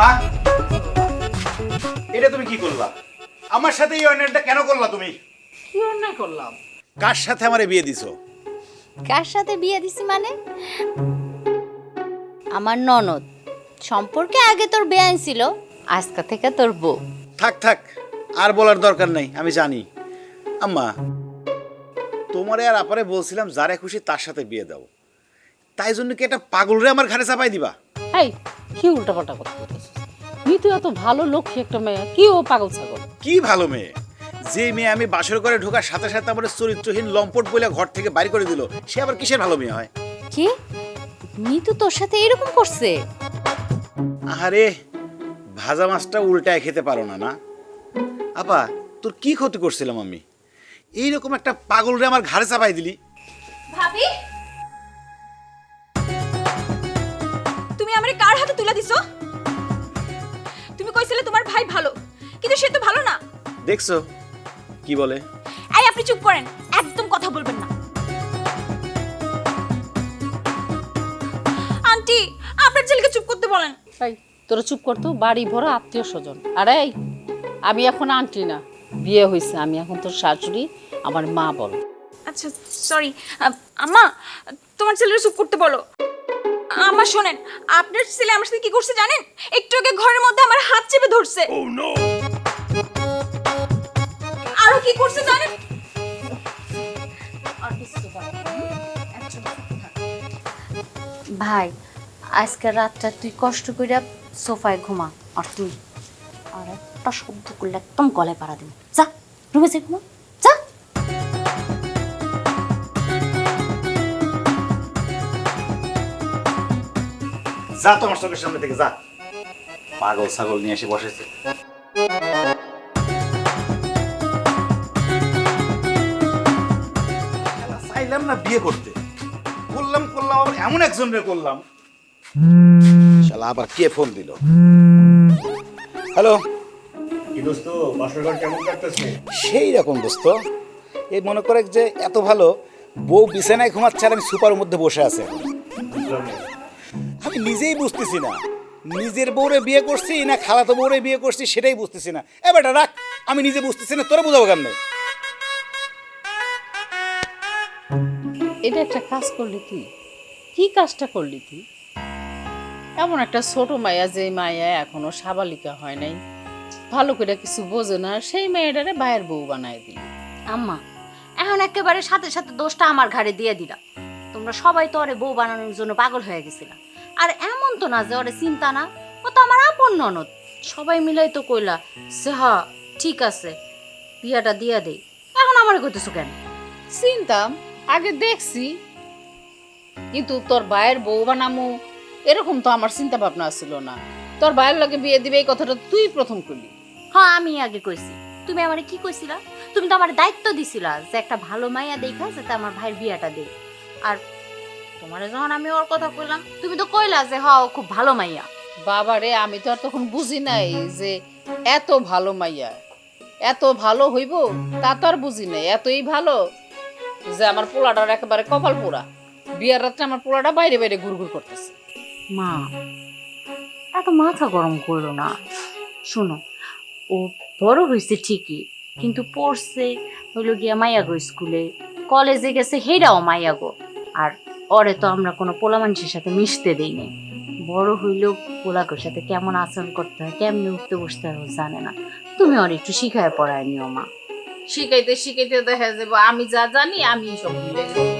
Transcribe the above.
মা, এটা তুমি কি করলা? আমার সাথে এই অন্যায়টা কেন করলা তুমি? কি অন্যায় করলাম? কার সাথে আমারে বিয়ে দিছো? কার সাথে বিয়ে দিছি মানে? আমার ননদ সম্পর্কে আগে তোর বেআইন ছিল, আজকে থেকে তোর বউ। থাক থাক, আর বলার দরকার নাই, আমি জানি। আম্মা, তোমারে আর আপারে বলছিলাম যারে খুশি তার সাথে বিয়ে দাও, তাই জন্য কি একটা পাগলরে আমার ঘাড়ে চাপাই দিবা? এই কি উল্টাপাল্টা কথা বলতেছিস? মিতু এত ভালো লক্ষ্মী একটা মেয়ে, কি ও পাগল ছাগল? কি ভালো মেয়ে! যে মেয়ে আমি বাসর করে ঢোকার সাথে সাথে আমার চরিত্রহীন লম্পট বলে ঘর থেকে বাইরে করে দিল, সে আবার কিসের ভালো মেয়ে হয়? কি মিতু তোর সাথে এরকম করছে? আহারে, ভাজা মাছটা উল্টায় খেতে পারো না? না আপা, তোর কি ক্ষতি করছিলাম আমি? এইরকম একটা পাগলরে আমার ঘাড়ে চাপাই দিলি। ভাবি, তুমি আমারে কার হাতে তুলে দিছো? তুমি কইছিলে তোমার ভাই ভালো, কিন্তু সে তো ভালো না। দেখছো কি বলে? এই আপনি চুপ করেন, একদম কথা বলবেন না। আন্টি, আপনার ছেলেকে চুপ করতে বলেন। এই তোরা চুপ করতো, বাড়ি ভরা আত্মীয় স্বজন। আরে আমি এখন আন্টি না, বিয়ে হয়েছে, আমি এখন তোর শাশুড়ি, আমার মা বল। আচ্ছা সরি আম্মা, তোমার ছেলের চুপ করতে বলো। আম্মা শোনেন, আপনার ছেলে আমার সাথে কি করছে জানেন? একটু আগে ঘরের মধ্যে আমার হাত চেপে ধরছে। আরো কি করছে জানেন? ভাই, আজকে রাতটা তুই কষ্ট কইরা সোফায় ঘুমা, আর তুই আর একটা শব্দ করলে একদম গলায় পাড়া দিবি। যা রুমে যা, ঘুমা যা। যা তোমার চোখের সামনে থেকে যা। পাগল ছাগল নিয়ে এসে বসেছে। চাইলাম না বিয়ে করতে, করলাম আবার এমন একজনরে করলাম। শালা আবার কে ফোন দিল? হ্যালো। কি দোস্ত, বাসর ঘর কেমন কাটতেছে? সেই রকম দোস্ত, এই মনে করে যে এত ভালো বউ বিছানায় ঘুমাচ্ছে আর আমি সুপারের মধ্যে বসে আছে। আমি নিজেই বুঝতেছি না নিজের বউরে বিয়ে করছি না খালাতো বউরে বিয়ে করছি, সেটাই বুঝতেছি না। এবারটা রাখ, আমি নিজে বুঝতেছি না, তোরা বোঝাবো কেমনে? এটা একটা কাজ করলি তুই? কি কাজটা করলি তুই? এমন একটা ছোট মায়া, যে মায়া এখনো সাবালিকা হয় নাই, ভালো করে কিছু বোঝে না, সেই মেয়েটারে ভাইয়ের বউ বানায় দিলি। আম্মা, এখন একেবারে সাথে সাথে দোষটা আমার ঘাড়ে দিয়ে দিলা। তোমরা সবাই তো ওরে বউ বানানোর জন্য পাগল হয়ে গেছিলা। আর এমন তো না যে ওরে চিন্তা না, ও তো আমার আপন ননদ। সবাই মিলাই তো কইলা যে হ্যাঁ ঠিক আছে, বিয়াটা দিয়া দেই। এখন আমার কইতেছো কেন? চিনতাম, আগে দেখছি, কিন্তু তোর ভাইয়ের বউ বানামু এরকম তো আমার চিন্তা ভাবনা ছিল না। তোর ভাইয়ের লগে বিয়ে দিবে এই কথাটা তুই প্রথম করলি। হ্যাঁ, আমি আগে কইছি। তুমি আমারে কি কইছিলা? তুমি তো আমার দায়িত্ব দিছিলা যে একটা ভালো মাইয়া দেখা যাতে আমার ভাইয়ের বিয়াটা দেই। আর তোমারে যখন আমি ওর কথা কইলাম, তুমি তো কইলা যে হ্যাঁ ও খুব ভালো মাইয়া। বাবা রে, আমি তো আর তখন বুঝি নাই যে এত ভালো মাইয়া, এত ভালো হইব, তা তো আর বুঝি নাই। এতই ভালো যে আমার পোলাটার একেবারে কপাল পোড়া। বিয়ার রাত্রে আমার পোলাটা বাইরে বাইরে ঘুরঘুর করতেছে। মা, এত মাথা গরম করলো না। শোনো, ও বড় হয়েছে ঠিকই, কিন্তু পড়ছে হইলো গিয়া মাইয়াগো স্কুলে, কলেজে গেছে হেরাও মাইয়াগো। আর ওরে তো আমরা কোনো পোলা মানুষের সাথে মিশতে দেই নাই। বড় হইলেও পোলাগোর সাথে কেমন আচরণ করতে হয়, কেমনে উঠতে বসতে হয় ও জানে না। তুমি ওর একটু শিখায় পড়ায় নিও মা। শিখাইতে শিখাইতে দেখা যাবো আমি যা জানি আমি সব ভুলে যাবো।